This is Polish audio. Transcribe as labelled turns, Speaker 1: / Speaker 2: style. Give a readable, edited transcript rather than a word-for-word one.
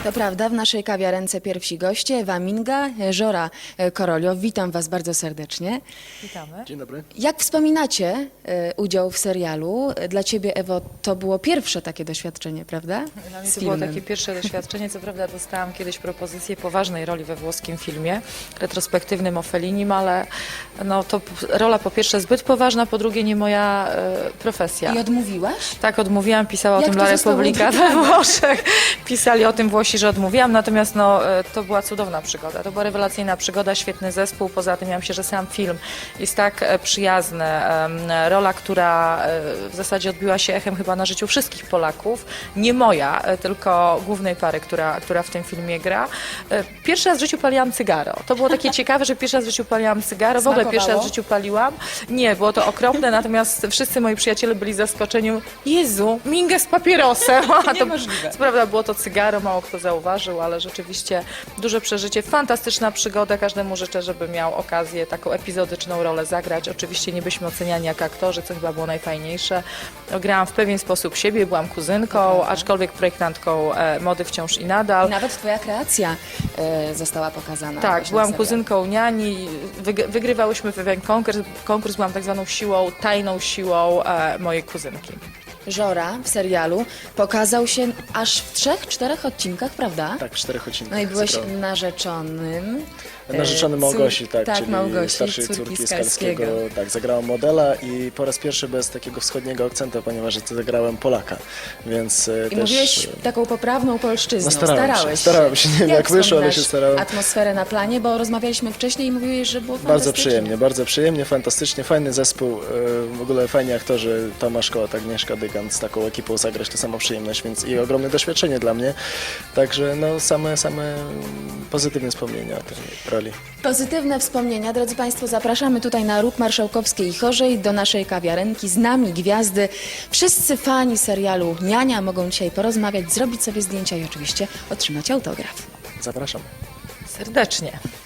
Speaker 1: To prawda, w naszej kawiarence pierwsi goście, Ewa Minga, Żora Korolio. Witam Was bardzo serdecznie.
Speaker 2: Witamy.
Speaker 3: Dzień dobry.
Speaker 1: Jak wspominacie udział w serialu? Dla Ciebie, Ewo, to było pierwsze takie doświadczenie, prawda?
Speaker 2: Dla mnie
Speaker 1: Z
Speaker 2: to było
Speaker 1: filmem.
Speaker 2: takie pierwsze doświadczenie. Co prawda dostałam kiedyś propozycję poważnej roli we włoskim filmie, retrospektywnym o Fellinim, ale no, to rola po pierwsze zbyt poważna, po drugie nie moja profesja.
Speaker 1: I odmówiłaś?
Speaker 2: Tak, odmówiłam, pisała o
Speaker 1: Jak
Speaker 2: tym
Speaker 1: to
Speaker 2: La
Speaker 1: zostało
Speaker 2: Repubblica we Włoszech. Pisali o tym Włosi, że odmówiłam, natomiast no, to była cudowna przygoda. To była rewelacyjna przygoda, świetny zespół. Poza tym ja myślę, że sam film jest tak przyjazny. Rola, która w zasadzie odbiła się echem chyba na życiu wszystkich Polaków. Nie moja, tylko głównej pary, która w tym filmie gra. Pierwszy raz w życiu paliłam cygaro. To było takie ciekawe, że pierwszy raz w życiu paliłam cygaro. W ogóle pierwszy raz w życiu paliłam. Nie, było to okropne, natomiast wszyscy moi przyjaciele byli zaskoczeni. Jezu, Minga z papierosem. A to,
Speaker 1: Niemożliwe.
Speaker 2: co prawda było to cygaro, mało kto zauważył, ale rzeczywiście duże przeżycie, fantastyczna przygoda. Każdemu życzę, żeby miał okazję taką epizodyczną rolę zagrać. Oczywiście nie byliśmy oceniani jak aktorzy, co chyba było najfajniejsze. Grałam w pewien sposób siebie, byłam kuzynką, aczkolwiek projektantką mody wciąż i nadal.
Speaker 1: I nawet Twoja kreacja została pokazana.
Speaker 2: Tak,
Speaker 1: właśnie w
Speaker 2: byłam
Speaker 1: serialu.
Speaker 2: kuzynką niani, wygrywałyśmy pewien konkurs, byłam tak zwaną siłą, tajną siłą mojej kuzynki.
Speaker 1: Żora w serialu pokazał się aż w 3-4 odcinkach, prawda?
Speaker 3: Tak, w 4 odcinkach.
Speaker 1: No i byłeś
Speaker 3: zagrałem.
Speaker 1: narzeczonym.
Speaker 3: Narzeczony Małgosi, tak, czyli
Speaker 1: Małgosi,
Speaker 3: starszej
Speaker 1: córki
Speaker 3: córki
Speaker 1: Skalskiego.
Speaker 3: Skalskiego. Tak, zagrałem modela i po raz pierwszy bez takiego wschodniego akcentu, ponieważ zagrałem Polaka, więc
Speaker 1: I
Speaker 3: też...
Speaker 1: mówiłeś taką poprawną polszczyzną.
Speaker 3: No starałem się, nie wiem jak wyszło, ale się
Speaker 1: wspominasz
Speaker 3: starałem.
Speaker 1: atmosferę na planie, bo rozmawialiśmy wcześniej i mówiłeś, że było fantastycznie.
Speaker 3: Bardzo przyjemnie, fantastycznie, fajny zespół, w ogóle fajni aktorzy, Tomasz Kołat, Agnieszka Dygant, z taką ekipą zagrać to sama przyjemność, więc i ogromne doświadczenie dla mnie, także no same pozytywne wspomnienia o tej roli.
Speaker 1: Pozytywne wspomnienia. Drodzy Państwo, zapraszamy tutaj na Róg Marszałkowskiej i Chorzej do naszej kawiarenki. Z nami gwiazdy. Wszyscy fani serialu Niania mogą dzisiaj porozmawiać, zrobić sobie zdjęcia i oczywiście otrzymać autograf.
Speaker 3: Zapraszam.
Speaker 2: Serdecznie.